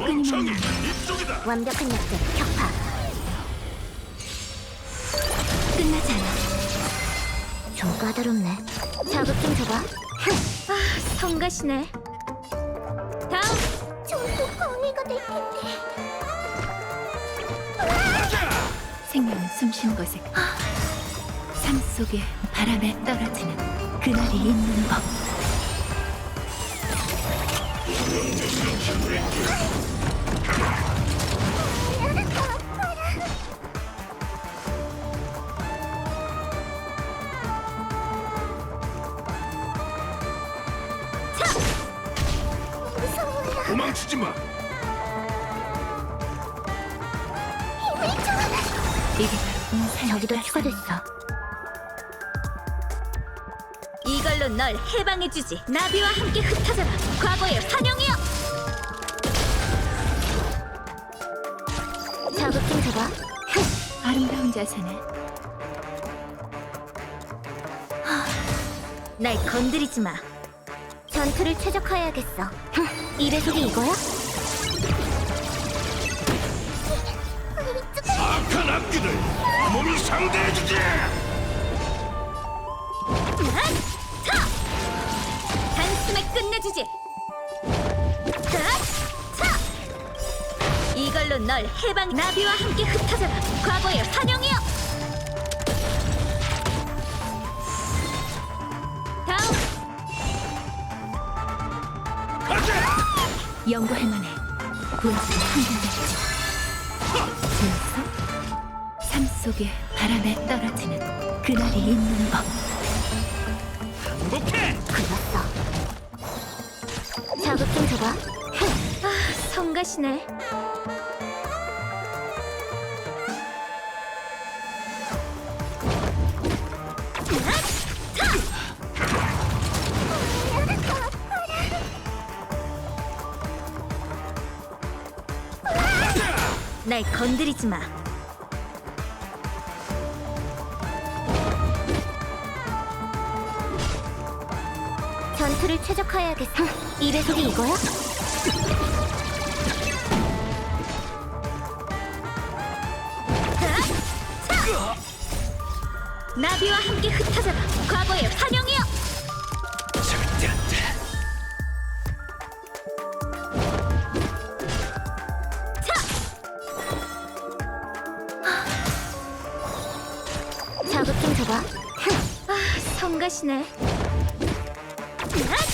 끊임없는 이쪽이다. 완벽한 약점 격파. 끝나지 않아. 좀 까다롭네. 자극 좀 줘봐. 아, 성가시네. 다음. 전부 광해가 될 텐데. 생명은 숨쉬는 곳에 삶 속에 바람에 떨어지는 그날이 있는 법. 도망치지 마. 이게 바로 인사의 저기도 가슴. 추가됐어. 이걸로 널 해방해주지. 나비와 함께 흩어져라. 과거의 환영이여. 자극 좀 줘봐. 아름다운 자세네. 날 건드리지 마. 전투를 최적화해야겠어. 이 배속이 이거야? 악한 악기들 몸이 상대해주지. 단숨에 끝내주지. 이걸로 널 해방. 나비와 함께 흩어져라. 과거의 환영이여. 다음. 연구할 만해. 분수가 한결같지. 들었어? 삶 속에 바람에 떨어지는 그날이 있는 법. 오케이. 불렀어. 자극 좀 줘봐. 아, 성가시네. 날 건드리지 마. 전투를 최적화해야겠어. 이 배속이 이거야? 나비와 함께 흩어져라. 과거의 환영이여. 절대 안 돼. 자극 좀 줘봐. 아, 성가시네.